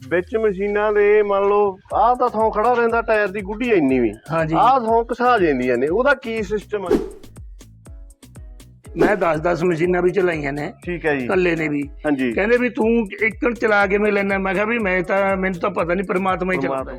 ਵਿੱਚ ਮਸ਼ੀਨਾਂ ਦੇ ਮੰਨ ਲਓ ਆਹ ਤਾਂ ਥਾਂ ਖੜਾ ਰਹਿੰਦਾ ਟਾਇਰ ਦੀ ਗੁੱਡੀ ਇੰਨੀ ਵੀ ਆਹ ਥਾਂ ਘਸਾ ਜਾਂਦੀਆਂ ਨੇ, ਉਹਦਾ ਕੀ ਸਿਸਟਮ ਹੈ? ਮੈਂ 10 ਮਸ਼ੀਨਾਂ ਵੀ ਚਲਾਈਆਂ ਨੇ। ਠੀਕ ਹੈ ਜੀ। ਕੱਲੇ ਨੇ ਵੀ। ਹਾਂਜੀ। ਕਹਿੰਦੇ ਵੀ ਤੂੰ ਇੱਕ ਚਲਾ ਕਿਵੇਂ ਲੈਣਾ? ਮੈਂ ਕਿਹਾ ਵੀ ਮੈਨੂੰ ਤਾਂ ਪਤਾ ਨਹੀਂ, ਪ੍ਰਮਾਤਮਾ ਹੀ ਚਲਾਉਂਦਾ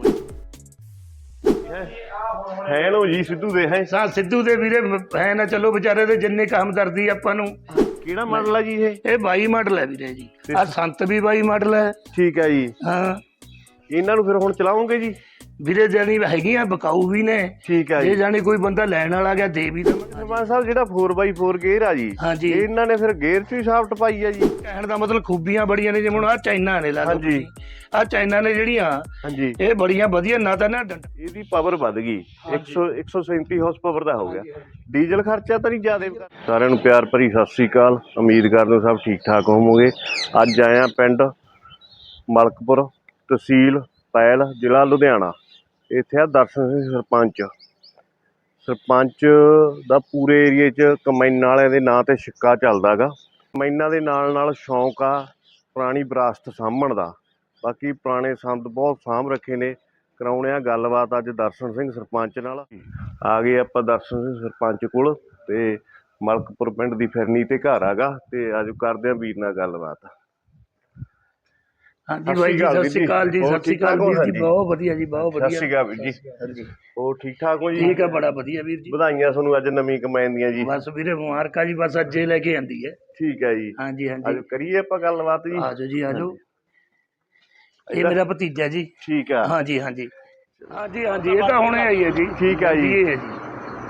ਹੈ। ਲੋ ਜੀ ਸਿੱਧੂ ਦੇ ਹੈ ਸਿੱਧੂ ਦੇ ਵੀਰੇ ਹੈ ਨਾ, ਚਲੋ ਵਿਚਾਰੇ ਦੇ ਜਿੰਨੇ ਕੰਮ ਕਰਦੀ ਆਪਾਂ ਨੂੰ। ਕਿਹੜਾ ਮਾਡਲ ਹੈ ਜੀ ਇਹ 22 ਮਾਡਲ ਹੈ ਵੀਰੇ ਜੀ। ਆ ਸੰਤ ਵੀ 22 ਮਾਡਲ ਹੈ। ਠੀਕ ਹੈ ਜੀ। ਹਾਂ, ਇਹਨਾਂ ਨੂੰ ਫਿਰ ਹੁਣ ਚਲਾਉਂਗੇ ਜੀ? ਵੀਰੇ ਜਾਨੀ ਹੈਗੀਆਂ ਬਕਾਊ ਵੀ ਨੇ। ਠੀਕ ਹੈ। ਜੇ ਜਾਨੀ ਕੋਈ ਬੰਦਾ ਲੈਣ ਵਾਲਾ ਗਿਆ ਦੇ ਵੀ ਸਰਪੰਚ ਸਾਹਿਬ ਜਿਹੜਾ 4x4 ਗੇਅਰ ਆ ਜੀ, ਹਾਂਜੀ, ਇਹਨਾਂ ਨੇ ਫਿਰ ਗੇਅਰ 'ਚ ਹੀ ਸਾਫਟ ਪਾਈ ਆ ਜੀ? ਕਹਿਣ ਦਾ ਮਤਲਬ ਖੂਬੀਆਂ ਬੜੀਆਂ ਨੇ, ਜਿਵੇਂ ਹੁਣ ਆ ਚਾਈਨਾ ਨੇ ਲਾ ਲਓ। ਹਾਂਜੀ, ਆ ਚਾਈਨਾ ਨੇ ਜਿਹੜੀਆਂ, ਹਾਂਜੀ, ਇਹ ਬੜੀਆਂ ਵਧੀਆ। ਨਾ ਤਾਂ ਨਾ ਇਹਦੀ ਪਾਵਰ ਵੱਧ ਗਈ, 137 ਹਾਰਸ ਪਾਵਰ ਦਾ ਹੋ ਗਿਆ। ਡੀਜ਼ਲ ਖਰਚਾ ਤਾਂ ਨਹੀਂ ਜ਼ਿਆਦਾ? ਸਾਰਿਆਂ ਨੂੰ ਪਿਆਰ ਭਰੀ ਸਤਿ ਸ੍ਰੀ ਅਕਾਲ। ਉਮੀਦ ਕਰਦੇ ਹੋ ਸਭ ਠੀਕ ਠਾਕ ਹੋਵੋਗੇ। ਅੱਜ ਆਇਆ ਪਿੰਡ ਮਲਕਪੁਰ, ਤਹਿਸੀਲ ਪੈਲ, ਜ਼ਿਲ੍ਹਾ ਲੁਧਿਆਣਾ। ਇੱਥੇ ਆ ਦਰਸ਼ਨ ਸਿੰਘ ਸਰਪੰਚ ਦਾ ਪੂਰੇ ਏਰੀਏ 'ਚ ਕਮੈਨਾਂ ਵਾਲਿਆਂ ਦੇ ਨਾਂ 'ਤੇ ਸਿੱਕਾ ਚੱਲਦਾ ਗਾ। ਕਮੈਨਾਂ ਦੇ ਨਾਲ ਨਾਲ ਸ਼ੌਂਕ ਆ ਪੁਰਾਣੀ ਵਿਰਾਸਤ ਸਾਂਭਣ ਦਾ। ਬਾਕੀ ਪੁਰਾਣੇ ਸੰਦ ਬਹੁਤ ਸਾਂਭ ਰੱਖੇ ਨੇ। ਕਰਾਉਣੇ ਆ ਗੱਲਬਾਤ ਅੱਜ ਦਰਸ਼ਨ ਸਿੰਘ ਸਰਪੰਚ ਨਾਲ। ਆ ਗਏ ਆਪਾਂ ਦਰਸ਼ਨ ਸਿੰਘ ਸਰਪੰਚ ਕੋਲ, ਤੇ ਮਲਕਪੁਰ ਪਿੰਡ ਦੀ ਫਿਰਨੀ ਤੇ ਘਰ ਆਗਾ, ਤੇ ਅੱਜ ਕਰਦੇ ਆ ਵੀਰ ਨਾਲ ਗੱਲਬਾਤ। ਹਾਂਜੀ ਬਾਈ ਜੀ, ਸਤਿ ਸ਼੍ਰੀ ਅਕਾਲ ਜੀ। ਸਤਿ ਸ਼੍ਰੀ ਅਕਾਲ ਵੀਰ ਜੀ, ਬਹੁਤ ਵਧੀਆ ਜੀ, ਬਹੁਤ ਵਧੀਆ। ਸਤਿ ਸ਼੍ਰੀ ਅਕਾਲ ਵੀਰ ਜੀ। ਹੋਰ ਠੀਕ ਠਾਕ ਹੋ ਜੀ? ਠੀਕ ਆ, ਬੜਾ ਵਧੀਆ ਵੀਰ ਜੀ। ਵਧਾਈਆਂ ਤੁਹਾਨੂੰ ਅੱਜ ਨਵੀਂ ਕਮੈਨ ਦੀਆਂ ਜੀ। ਬਸ ਵੀਰੇ ਮੁਬਾਰਕਾਂ ਜੀ, ਬਸ ਅੱਜੇ ਲੈ ਕੇ ਆਂਦੀ ਹੈ। ਠੀਕ ਹੈ ਜੀ। ਹਾਂਜੀ ਹਾਂਜੀ, ਅੱਜ ਕਰੀਏ ਆਪਾਂ ਗੱਲਬਾਤ ਜੀ। ਆਜੋ ਜੀ ਆਜੋ। ਇਹ ਮੇਰਾ ਭਤੀਜਾ ਜੀ। ਠੀਕ ਆ। ਹਾਂਜੀ ਹਾਂਜੀ ਹਾਂਜੀ ਹਾਂਜੀ, ਇਹ ਤਾਂ ਹੁਣੇ ਆਈ ਹੈ ਜੀ। ਠੀਕ ਆ ਜੀ। ਇਹ ਹੈ ਜੀ।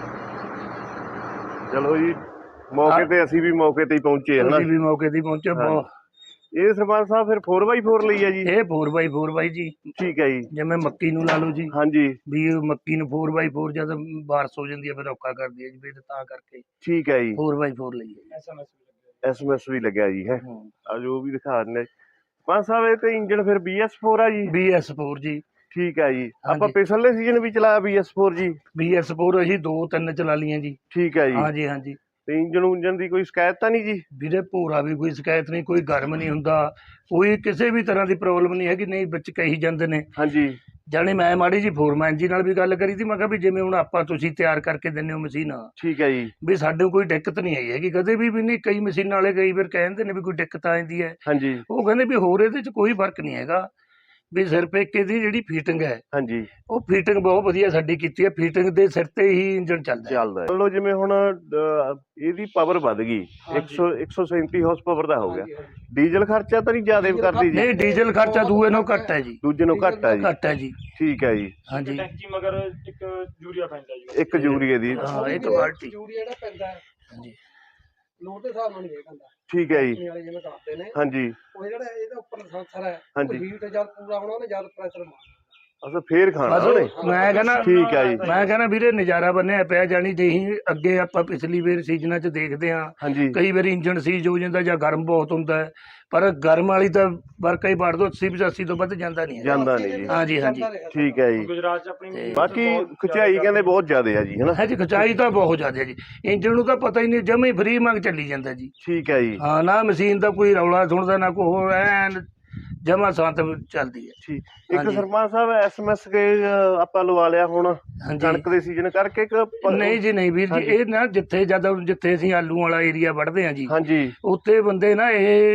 ਚਲੋ ਜੀ, ਮੌਕੇ ਤੇ ਅਸੀਂ ਵੀ ਮੌਕੇ ਤੇ ਹੀ ਪਹੁੰਚੇ ਹਨਾ। ਅਸੀਂ ਵੀ ਮੌਕੇ ਤੇ ਪਹੁੰਚੇ। ਇਹ ਸਰਪੰਚ ਸਾਹਿਬ ਫਿਰ 4x4 ਲਈ ਆ ਜੀ? ਇਹ 4x4 ਬਾਈ ਜੀ। ਠੀਕ ਹੈ ਜੀ। ਜਿਵੇਂ ਮੱਕੀ ਨੂੰ ਲਾ ਲਓ ਜੀ। ਹਾਂਜੀ, ਵੀ ਮੱਕੀ ਨੂੰ 4x4 ਜਦ ਬਾਰਸ ਹੋ ਜਾਂਦੀ ਹੈ ਫਿਰ ਔਖਾ ਕਰਦੀ ਹੈ ਜੀ, ਫਿਰ ਤਾਂ ਕਰਕੇ। ਠੀਕ ਹੈ ਜੀ, 4x4 ਲਈ SMS ਵੀ ਲੱਗਿਆ ਜੀ ਹੈ। ਅੱਜ ਉਹ ਵੀ ਦਿਖਾ ਦਿੰਦੇ ਸਰਪੰਚ ਸਾਹਿਬ। ਇਹ ਤੇ ਇੰਜਣ ਫਿਰ BS4 ਆ ਜੀ? BS4 ਜੀ। ਠੀਕ ਹੈ ਜੀ। ਆਪਾਂ ਪਿਛਲੇ ਸੀਜ਼ਨ ਵੀ ਚਲਾਇਆ BS4 ਜੀ? BS4 ਅਸੀਂ 2-3 ਚਲਾ ਲਈਆਂ ਜੀ। ਠੀਕ ਹੈ ਜੀ। ਹਾਂਜੀ ਹਾਂਜੀ। ਤੇ ਇੰਜਣ ਦੀ ਕੋਈ ਸ਼ਿਕਾਇਤ ਤਾਂ ਨਹੀਂ ਜੀ? ਵੀਰੇ ਭੋਰਾ ਵੀ ਕੋਈ ਸ਼ਿਕਾਇਤ ਨਹੀਂ, ਕੋਈ ਗਰਮ ਨਹੀਂ ਹੁੰਦਾ, ਕੋਈ ਕਿਸੇ ਵੀ ਤਰ੍ਹਾਂ ਦੀ ਪ੍ਰੋਬਲਮ ਨਹੀਂ ਹੈਗੀ। ਨਹੀਂ ਵਿੱਚ ਕਹੀ ਜਾਂਦੇ ਨੇ। ਹਾਂਜੀ, ਜਾਣੀ ਮੈਂ ਮਾੜੀ ਜੀ ਫੋਰਮੈਨ ਜੀ ਨਾਲ ਵੀ ਗੱਲ ਕਰੀ ਸੀ। ਮੈਂ ਕਿਹਾ ਵੀ ਜਿਵੇਂ ਹੁਣ ਆਪਾਂ ਤੁਸੀਂ ਤਿਆਰ ਕਰਕੇ ਦਿੰਦੇ ਹੋ ਮਸ਼ੀਨ। ਠੀਕ ਹੈ ਜੀ। ਵੀ ਸਾਡੇ ਕੋਈ ਦਿੱਕਤ ਨਹੀਂ ਆਈ ਹੈਗੀ ਕਦੇ ਵੀ ਨਹੀਂ। ਕਈ ਮਸ਼ੀਨਾਂ ਵਾਲੇ ਕਈ ਵਾਰ ਕਹਿੰਦੇ ਨੇ ਵੀ ਕੋਈ ਦਿੱਕਤ ਆ ਜਾਂਦੀ ਹੈ। ਹਾਂਜੀ, ਉਹ ਕਹਿੰਦੇ ਵੀ ਹੋਰ ਇਹਦੇ 'ਚ ਕੋਈ ਫਰਕ ਨਹੀਂ ਹੈਗਾ, ਵੀ ਸਿਰਫ ਇੱਕ ਇਹਦੀ ਜਿਹੜੀ ਫੀਟਿੰਗ ਹੈ, ਹਾਂਜੀ, ਉਹ ਫੀਟਿੰਗ ਬਹੁਤ ਵਧੀਆ ਸਾਡੀ ਕੀਤੀ ਹੈ। ਫੀਟਿੰਗ ਦੇ ਸਿਰ ਤੇ ਹੀ ਇੰਜਣ ਚੱਲਦਾ। ਚਲੋ ਜਿਵੇਂ ਹੁਣ ਇਹਦੀ ਪਾਵਰ ਵੱਧ ਗਈ, 137 ਹਾਰਸ ਪਾਵਰ ਦਾ ਹੋ ਗਿਆ। ਡੀਜ਼ਲ ਖਰਚਾ ਤਾਂ ਨਹੀਂ ਜ਼ਿਆਦਾ ਕਰਦੀ ਜੀ? ਨਹੀਂ, ਡੀਜ਼ਲ ਖਰਚਾ ਦੂਏ ਨਾਲੋਂ ਘੱਟ ਹੈ ਜੀ। ਦੂਜੇ ਨਾਲੋਂ ਘੱਟ ਹੈ ਜੀ? ਘੱਟ ਹੈ ਜੀ। ਠੀਕ ਹੈ ਜੀ। ਹਾਂਜੀ, ਟੈਂਕੀ ਮਗਰ ਇੱਕ ਯੂਰੀਆ ਪੈਂਦਾ ਜੀ। ਇੱਕ ਯੂਰੀਆ ਦੀ? ਹਾਂ, ਇੱਕ ਬਾਲਟੀ ਯੂਰੀਆ ਜਿਹੜਾ ਪੈਂਦਾ। ਹਾਂਜੀ, ਲੋਡ ਦੇ ਹਿਸਾਬ ਨਾਲ ਨਹੀਂ ਪੈਂਦਾ। ਠੀਕ ਹੈ ਜੀ। ਜਿਵੇਂ ਕਰਦੇ ਨੇ, ਹਾਂਜੀ, ਉਹ ਜਿਹੜਾ ਇਹਦਾ ਉੱਪਰ ਸੈਂਸਰ ਹੈ, ਉਹ ਹੀਟ ਜਦ ਪੂਰਾ ਹੋਣਾ ਉਹਨੇ ਜਦ ਪ੍ਰੈਸ਼ਰ ਮਾਰਨਾ। ਅੱਛਾ, ਫੇਰ ਖਾਣਾ ਉਹਨੇ? ਮੈਂ ਕਹਿੰਦਾ ਠੀਕ ਹੈ ਜੀ। ਮੈਂ ਕਹਿੰਦਾ ਵੀਰੇ ਨਜ਼ਾਰਾ ਬੰਨਿਆ ਪਿਆ। ਜਾਣੀ ਦੇਹੀ ਅੱਗੇ ਆਪਾਂ ਪਿਛਲੀ ਵਾਰ ਸੀਜ਼ਨਾਂ 'ਚ ਦੇਖਦੇ ਹਾਂ, ਕਈ ਵਾਰੀ ਇੰਜਣ ਸੀਜ਼ ਹੋ ਜਾਂਦਾ ਜਾਂ ਗਰਮ ਬਹੁਤ ਹੁੰਦਾ, ਪਰ ਗਰਮ ਵਾਲੀ ਤਾਂ ਵਰਕਾ ਹੀ ਵੜ ਦੋ 80-85 ਤੋਂ ਵੱਧ ਜਾਂਦਾ ਨਹੀਂ। ਜਾਂਦਾ ਨਹੀਂ ਜੀ। ਹਾਂਜੀ ਹਾਂਜੀ, ਠੀਕ ਹੈ ਜੀ। ਗੁਜਰਾਤ 'ਚ ਆਪਣੀ ਬਾਕੀ ਖਿਚਾਈ ਕਹਿੰਦੇ ਬਹੁਤ ਜ਼ਿਆਦਾ ਹੈ ਜੀ, ਹਨਾ? ਹਾਂਜੀ, ਖਿਚਾਈ ਤਾਂ ਬਹੁਤ ਜ਼ਿਆਦਾ ਜੀ। ਇੰਜਣ ਨੂੰ ਤਾਂ ਪਤਾ ਹੀ ਨਹੀਂ, ਜਮੇ ਫਰੀ ਮੰਗ ਚੱਲੀ ਜਾਂਦਾ ਜੀ। ਠੀਕ ਹੈ ਜੀ। ਹਾਂ, ਨਾ ਮਸ਼ੀਨ ਦਾ ਕੋਈ ਰੌਲਾ ਸੁਣਦਾ, ਨਾ ਕੋਈ ਹੋਰ, ਐਨ ਜਮਾ ਸ਼ਾਂਤ ਚੱਲਦੀ ਹੈ। ਠੀਕ। ਇੱਕ ਸਰਪੰਚ ਸਾਹਿਬ SMS ਕੇ ਆਪਾਂ ਲਵਾ ਲਿਆ ਹੁਣ ਕਣਕ ਦੇ ਸੀਜ਼ਨ ਕਰਕੇ? ਨਹੀਂ ਜੀ ਨਹੀਂ ਵੀਰ ਜੀ, ਇਹ ਨਾ ਜਿੱਥੇ ਅਸੀਂ ਆਲੂ ਵਾਲਾ ਏਰੀਆ ਵੱਢਦੇ ਹਾਂ ਜੀ, ਹਾਂਜੀ, ਉੱਥੇ ਬੰਦੇ ਨਾ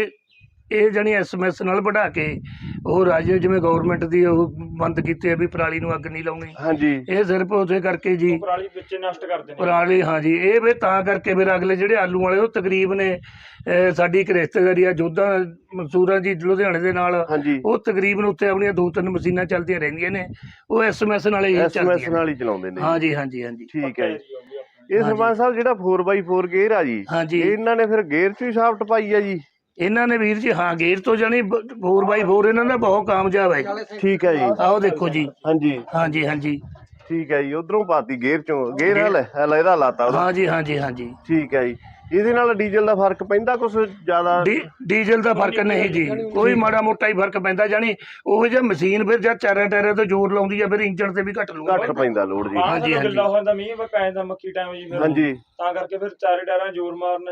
ਇਹ ਜਾਣੀ SMS ਨਾਲ ਵਢਾ ਕੇ ਉਹ ਰਾਜੇ ਜਿਵੇਂ ਗਵਰਨਮੈਂਟ ਦੀ ਉਹ ਬੰਦ ਕੀਤੀ ਹੈ ਵੀ ਪਰਾਲੀ ਨੂੰ ਅੱਗ ਨਹੀਂ ਲਾਉਣੀ। ਹਾਂਜੀ, ਇਹ ਸਿਰਫ ਉਸੇ ਕਰਕੇ ਜੀ ਪਰਾਲੀ ਵਿੱਚ ਨਸ਼ਟ ਕਰਦੇ ਨੇ ਪਰਾਲੀ। ਹਾਂਜੀ, ਇਹ ਵੀ ਤਾਂ ਕਰਕੇ ਫਿਰ ਅਗਲੇ ਜਿਹੜੇ ਆਲੂ ਵਾਲੇ ਉਹ ਤਕਰੀਬਨ ਸਾਡੀ ਇੱਕ ਰਿਸ਼ਤੇਦਾਰੀ ਆ ਜੋਧਾ ਮਨਸੂਰਾਂ ਜੀ ਲੁਧਿਆਣੇ ਦੇ ਨਾਲ, ਉਹ ਤਕਰੀਬਨ ਉੱਥੇ ਆਪਣੀਆਂ 2-3 ਮਸ਼ੀਨਾਂ ਚੱਲਦੀਆਂ ਰਹਿੰਦੀਆਂ ਨੇ, ਉਹ SMS ਨਾਲ ਹੀ ਚਲਾਉਂਦੇ ਨੇ। ਹਾਂਜੀ ਹਾਂਜੀ ਹਾਂਜੀ, ਠੀਕ ਹੈ ਜੀ। ਇਹ ਸਰਪੰਚ ਸਾਹਿਬ ਜਿਹੜਾ 4x4 ਗੇਅਰ ਆ ਜੀ, ਇਹਨਾਂ ਨੇ ਫਿਰ ਗੇਅਰ 'ਚ ਹੀ ਸਾਫਟ ਪਾਈ ਆ ਜੀ? ਇਹਨਾਂ ਨੇ ਵੀਰ ਜੀ, ਹਾਂ, ਗੇਅਰ ਤੋਂ ਜਾਣੀ 4x4 ਇਹਨਾਂ ਦਾ ਬਹੁਤ ਕਾਮਯਾਬ ਹੈ ਜੀ। ਠੀਕ ਹੈ ਜੀ। ਆਓ ਦੇਖੋ ਜੀ। ਹਾਂਜੀ ਹਾਂਜੀ ਹਾਂਜੀ, ਠੀਕ ਹੈ ਜੀ। ਉਧਰੋਂ ਪਾਤੀ ਗੇਅਰ ਚੋਂ, ਗੇਅਰ ਇਹਦਾ ਲਾਤਾ। ਹਾਂਜੀ ਹਾਂਜੀ ਹਾਂਜੀ, ਠੀਕ ਹੈ ਜੀ। ਇਹਦੇ ਨਾਲ ਡੀਜ਼ਲ ਦਾ ਫਰਕ ਪੈਂਦਾ ਕੁਛ ਜ਼ਿਆਦਾ? ਡੀਜ਼ਲ ਦਾ ਫਰਕ ਨਹੀਂ ਜੀ, ਕੋਈ ਮਾੜਾ ਮੋਟਾ ਹੀ ਫਰਕ ਪੈਂਦਾ। ਜਾਣੀ ਉਹ ਜੇ ਮਸ਼ੀਨ ਫਿਰ ਜਦ ਚਾਰਾਂ ਟਾਇਰਾਂ ਤੋਂ ਜ਼ੋਰ ਲਾਉਂਦੀ ਆ, ਫਿਰ ਇੰਜਣ ਤੇ ਵੀ ਘੱਟ ਪੈਂਦਾ ਲੋਡ ਜੀ। ਹਾਂਜੀ ਹਾਂਜੀ, ਮੱਕੀ ਟਾਈਮ ਜੀ, ਹਾਂਜੀ, ਤਾਂ ਕਰਕੇ ਫਿਰ ਚਾਰੇ ਟਾਇਰਾਂ ਜ਼ੋਰ ਮਾਰਨਾ ਜੀ।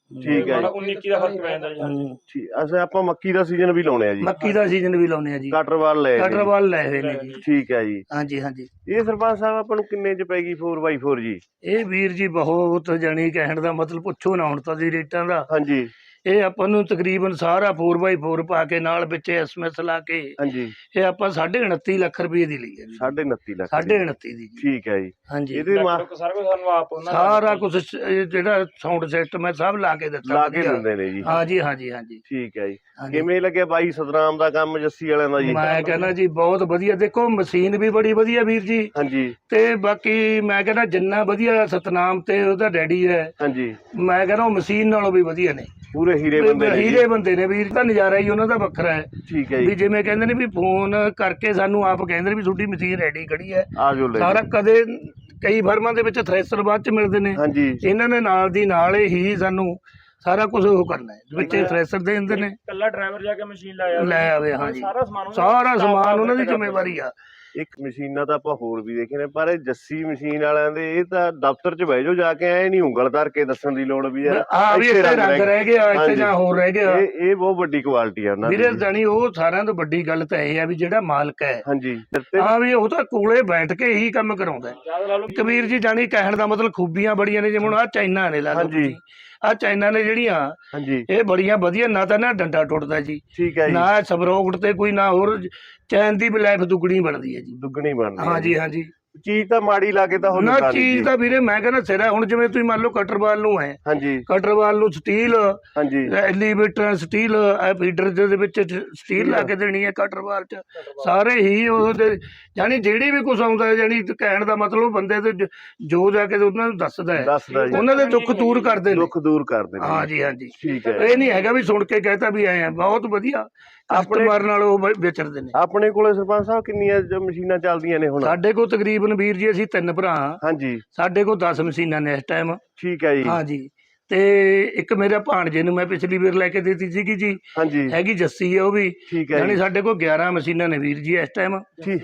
ਠੀਕ ਹੈ ਜੀ। 19 ਦਾ ਫਰਕ ਪੈ ਜਾਂਦਾ ਜੀ। ਠੀਕ ਅੱਛਾ ਆਪਾਂ ਮੱਕੀ ਦਾ ਸੀਜ਼ਨ ਵੀ ਲਾਉਣੇ ਆ ਜੀ। ਮੱਕੀ ਦਾ ਸੀਜ਼ਨ ਵੀ ਲਾਉਣੇ ਆ ਜੀ। ਕਟਰਵਾਲ ਲੈ ਕਟਰਵਾਲ ਲਏ ਹੋਏ ਨੇ ਜੀ। ਠੀਕ ਹੈ ਜੀ। ਹਾਂਜੀ ਹਾਂਜੀ। ਇਹ ਸਰਪੰਚ ਸਾਹਿਬ ਆਪਾਂ ਨੂੰ ਕਿੰਨੇ ਚ ਪੈ ਗਈ 4x4 ਜੀ? ਇਹ ਵੀਰ ਜੀ ਬਹੁਤ ਜਾਣੀ ਕਹਿਣ ਦਾ ਮਤਲਬ ਪੁੱਛੋ ਨਾ ਹੁਣ ਤਾਂ ਜੀ ਰੇਟਾਂ ਦਾ। ਹਾਂਜੀ। ਇਹ ਆਪਾਂ ਨੂੰ ਤਕਰੀਬਨ ਸਾਰਾ 4x4 ਪਾ ਕੇ ਨਾਲ ਵਿੱਚ ਐਸਐਮਐਸ ਲਾ ਕੇ ਹਾਂਜੀ ਇਹ ਆਪਾਂ 29.5 ਲੱਖ ਰੁਪਏ ਦੀ ਲਈ ਹੈ ਜੀ। 29.5 ਲੱਖ 29.5 ਦੀ ਜੀ। ਠੀਕ ਹੈ ਜੀ। ਹਾਂਜੀ ਇਹਦੇ ਸਾਰਾ ਕੁਝ ਸਾਨੂੰ ਆਪ ਉਹਨਾਂ ਨੇ ਸਾਰਾ ਕੁਝ ਜਿਹੜਾ ਸਾਊਂਡ ਸਿਸਟਮ ਹੈ ਸਭ ਲਾ ਕੇ ਦਿੱਤਾ। ਲਾ ਕੇ ਦਿੰਦੇ ਨੇ ਜੀ। ਹਾਂਜੀ ਹਾਂਜੀ ਹਾਂਜੀ। ਠੀਕ ਹੈ ਜੀ। ਹਾਂਜੀ। ਕਿਵੇਂ ਲੱਗਿਆ ਬਾਈ ਸਤਨਾਮ ਦਾ ਕੰਮ ਜੱਸੀ ਵਾਲਿਆਂ ਦਾ ਜੀ? ਮੈਂ ਕਹਿੰਦਾ ਜੀ ਬਹੁਤ ਵਧੀਆ। ਦੇਖੋ ਮਸ਼ੀਨ ਵੀ ਬੜੀ ਵਧੀਆ ਵੀਰ ਜੀ। ਹਾਂਜੀ ਤੇ ਬਾਕੀ ਮੈਂ ਕਹਿੰਦਾ ਜਿੰਨਾ ਵਧੀਆ ਸਤਨਾਮ ਤੇ ਉਹਦਾ ਡੈਡੀ ਹੈ, ਹਾਂਜੀ ਮੈਂ ਕਹਿੰਦਾ ਉਹ ਮਸ਼ੀਨ ਨਾਲੋਂ ਵੀ ਵਧੀਆ ਨੇ। ਪੂਰੇ ਹੀਰੇ ਬੰਦੇ ਨੇ ਜੀ। ਹੀਰੇ ਬੰਦੇ ਨੇ ਵੀਰ। ਤਾਂ ਨਜ਼ਾਰਾ ਹੀ ਉਹਨਾਂ ਦਾ ਵੱਖਰਾ ਹੈ। ਠੀਕ ਹੈ ਵੀ ਜੀ। ਜਿਵੇਂ ਕਹਿੰਦੇ ਨੇ ਵੀ ਫੋਨ ਕਰਕੇ ਸਾਨੂੰ ਆਪ ਕਹਿੰਦੇ ਨੇ ਵੀ ਤੁਹਾਡੀ ਮਸ਼ੀਨ ਰੈਡੀ ਖੜੀ ਹੈ। ਆ ਜਾਓ ਲੈ ਸਾਰਾ ਕਦੇ ਕਈ ਫਰਮਾਂ ਦੇ ਵਿੱਚ ਥ੍ਰੈਸ਼ਰ ਬਾਅਦ ਚ ਮਿਲਦੇ ਨੇ। ਹਾਂਜੀ ਇਹਨਾਂ ਨੇ ਨਾਲ ਦੀ ਨਾਲ ਹੀ ਸਾਨੂੰ ਸਾਰਾ ਕੁਝ ਉਹ ਕਰਨਾ ਹੈ। ਵਿੱਚ ਥ੍ਰੈਸ਼ਰ ਦੇ ਦਿੰਦੇ ਨੇ। ਇਕੱਲਾ ਡਰਾਈਵਰ ਜਾ ਕੇ ਮਸ਼ੀਨ ਲਾਇਆ ਲੈ ਆਵੇ। ਹਾਂਜੀ ਸਾਰਾ ਸਮਾਨ ਉਹਨਾਂ ਦੀ ਜ਼ਿੰਮੇਵਾਰੀ ਆ। ਇੱਕ ਮਸ਼ੀਨਾਂ ਤਾਂ ਆਪਾਂ ਹੋਰ ਵੀ ਦੇਖੇ ਨੇ, ਪਰ ਇਹ ਜੱਸੀ ਮਸ਼ੀਨ ਵਾਲਿਆਂ ਦੇ ਇਹ ਤਾਂ ਦਫ਼ਤਰ 'ਚ ਬਹਿ ਜਾਓ ਜਾ ਕੇ, ਐ ਨਹੀਂ ਉਂਗਲ ਧਰ ਕੇ ਦੱਸਣ ਦੀ ਲੋੜ ਵੀ ਯਾਰ ਹਾਂ ਵੀ ਇੱਥੇ ਰੰਗ ਰਹਿ ਗਿਆ, ਇੱਥੇ ਹਾਂਜੀ। ਜਾਂ ਹੋਰ ਰਹਿ ਗਿਆ। ਇਹ ਬਹੁਤ ਵੱਡੀ ਕੁਆਲਿਟੀ ਆ ਉਹਨਾਂ ਦੀ। ਵੀਰੇ ਜਾਣੀ ਉਹ ਸਾਰਿਆਂ ਤੋਂ ਵੱਡੀ ਗੱਲ ਤਾਂ ਇਹ ਆ ਵੀ ਜਿਹੜਾ ਮਾਲਕ ਹੈ, ਹਾਂਜੀ ਹਾਂ ਵੀ ਉਹ ਤਾਂ ਕੋਲੇ ਬੈਠ ਕੇ ਹੀ ਕੰਮ ਕਰਾਉਂਦਾ ਹੈ। ਕਬੀਰ ਜੀ ਜਾਣੀ ਕਹਿਣ ਦਾ ਮਤਲਬ ਖੂਬੀਆਂ ਬੜੀਆਂ ਨੇ, ਜਿਵੇਂ ਹੁਣ ਆਹ ਚਾਈਨਾ ਨੇ ਲਾ ਲਓ ਤੁਸੀਂ, ਆਹ ਚਾਈਨਾ ਨੇ ਜਿਹੜੀਆਂ ਹਾਂਜੀ ਇਹ ਬੜੀਆਂ ਵਧੀਆ। ਨਾ ਤਾਂ ਨਾ ਡੰਡਾ ਟੁੱਟਦਾ ਜੀ, ਠੀਕ ਹੈ ਜੀ, ਨਾ ਸਬਰੋਕਟ ਤੇ ਕੋਈ, ਨਾ ਹੋਰ ਚੈਨ ਦੀ ਵੀ ਲਾਈਫ ਦੁੱਗਣੀ ਬਣਦੀ ਹੈ ਜੀ। ਦੁੱਗਣੀ ਬਣਦੀ। ਹਾਂਜੀ ਹਾਂਜੀ। ਚੀਜ਼ ਤਾਂ ਮਾੜੀ ਲਾ ਕੇ ਤਾਂ ਹੋ ਨਾ ਚੀਜ਼ ਤਾਂ ਵੀਰੇ ਮੈਂ ਕਹਿੰਦਾ ਸਿਰ ਹੈ। ਹੁਣ ਜਿਵੇਂ ਤੁਸੀਂ ਮੰਨ ਲਓ ਕਟਰਵਾਲ ਨੂੰ ਹੈ, ਹਾਂਜੀ ਕਟਰਵਾਲ ਨੂੰ ਸਟੀਲ, ਹਾਂਜੀ ਐਲੀਵੇਟਰ ਸਟੀਲ, ਫੀਡਰ ਦੇ ਵਿੱਚ ਸਟੀਲ ਲਾ ਕੇ ਦੇਣੀ ਹੈ ਕਟਰਵਾਲ ਚ। ਸਾਰੇ ਹੀ ਉਹਦੇ ਜਾਣੀ ਜਿਹੜੀ ਵੀ ਕੁਛ ਆਉਂਦਾ ਹੈ, ਜਾਣੀ ਕਹਿਣ ਦਾ ਮਤਲਬ ਬੰਦੇ ਤੇ ਜੋ ਜਾ ਕੇ ਉਹਨਾਂ ਨੂੰ ਦੱਸਦਾ ਹੈ, ਉਹਨਾਂ ਦੇ ਦੁੱਖ ਦੂਰ ਕਰਦੇ ਨੇ। ਦੁੱਖ ਦੂਰ ਕਰਦੇ ਨੇ। ਹਾਂਜੀ ਹਾਂਜੀ। ਠੀਕ ਹੈ। ਇਹ ਨਹੀਂ ਹੈਗਾ ਵੀ ਸੁਣ ਕੇ ਕਹਿਤਾ ਵੀ ਆਏ ਆ। ਬਹੁਤ ਵਧੀਆ ਕਸਟਮਰ ਨਾਲ ਉਹ ਵਿਚਰਦੇ ਨੇ। ਆਪਣੇ ਕੋਲੇ ਸਰਪੰਚ ਸਾਹਿਬ ਕਿੰਨੀਆਂ ਮਸ਼ੀਨਾਂ ਚੱਲਦੀਆਂ ਨੇ ਹੁਣ? ਸਾਡੇ ਕੋਲ ਤਕਰੀਬਨ ਵੀਰ ਜੀ ਅਸੀਂ 3 ਭਰਾ ਹਾਂ। ਹਾਂਜੀ। ਸਾਡੇ ਕੋਲ 10 ਮਸ਼ੀਨਾਂ ਨੇ ਇਸ ਟਾਈਮ। ਠੀਕ ਹੈ ਜੀ। ਹਾਂਜੀ। ਤੇ ਇੱਕ ਮੇਰੇ ਭਾਣਜੇ ਨੂੰ ਮੈਂ ਪਿਛਲੀ ਵਾਰ ਲੈ ਕੇ ਦਿੱਤੀ ਸੀਗੀ ਜੀ। ਹਾਂਜੀ। ਹੈਗੀ ਜੱਸੀ ਹੈ ਉਹ ਵੀ। ਠੀਕ ਹੈ। ਯਾਨੀ ਸਾਡੇ ਕੋਲ 11 ਮਸ਼ੀਨਾਂ ਨੇ ਵੀਰ ਜੀ ਇਸ ਟਾਈਮ।